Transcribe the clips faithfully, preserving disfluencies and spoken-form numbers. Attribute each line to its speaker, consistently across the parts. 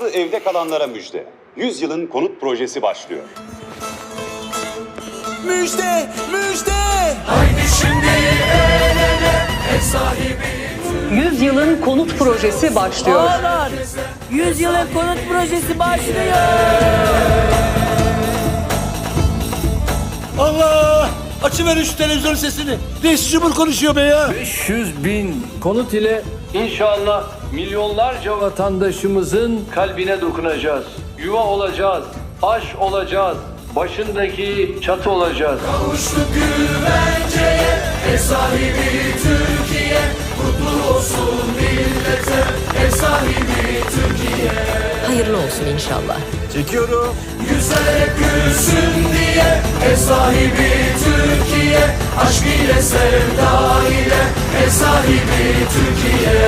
Speaker 1: Farklı evde kalanlara müjde. yüz yılın konut projesi başlıyor.
Speaker 2: Müjde, müjde!
Speaker 3: Haydi şimdi el ele, ev sahibi
Speaker 4: yüz yılın konut projesi başlıyor.
Speaker 2: Ağlar! yüz yılın konut projesi başlıyor!
Speaker 5: Allah! Açıverin şu televizyon sesini. Reis Cumhur konuşuyor be ya.
Speaker 6: beş yüz bin konut ile inşallah milyonlarca vatandaşımızın kalbine dokunacağız. Yuva olacağız, aş olacağız, başındaki çatı olacağız.
Speaker 3: kavuştuk güvenceye, ev sahibi Türkiye. Mutlu olsun millete, ev sahibi Türkiye.
Speaker 7: Hayırlı olsun inşallah.
Speaker 5: Çekiyorum.
Speaker 3: Yüzler hep gülsün diye, ev sahibi Türkiye. Aşk ile sevda ile, ev sahibi Türkiye.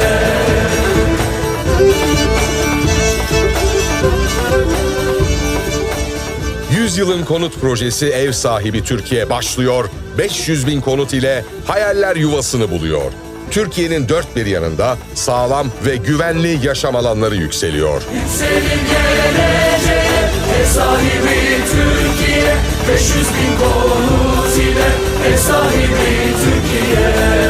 Speaker 8: Yüzyılın konut projesi Ev Sahibi Türkiye başlıyor. beş yüz bin konut ile hayaller yuvasını buluyor. Türkiye'nin dört bir yanında sağlam ve güvenli yaşam alanları yükseliyor.
Speaker 3: Yükselin geleceğe, ev sahibi Türkiye. beş yüz bin konut ile, ev sahibi Türkiye.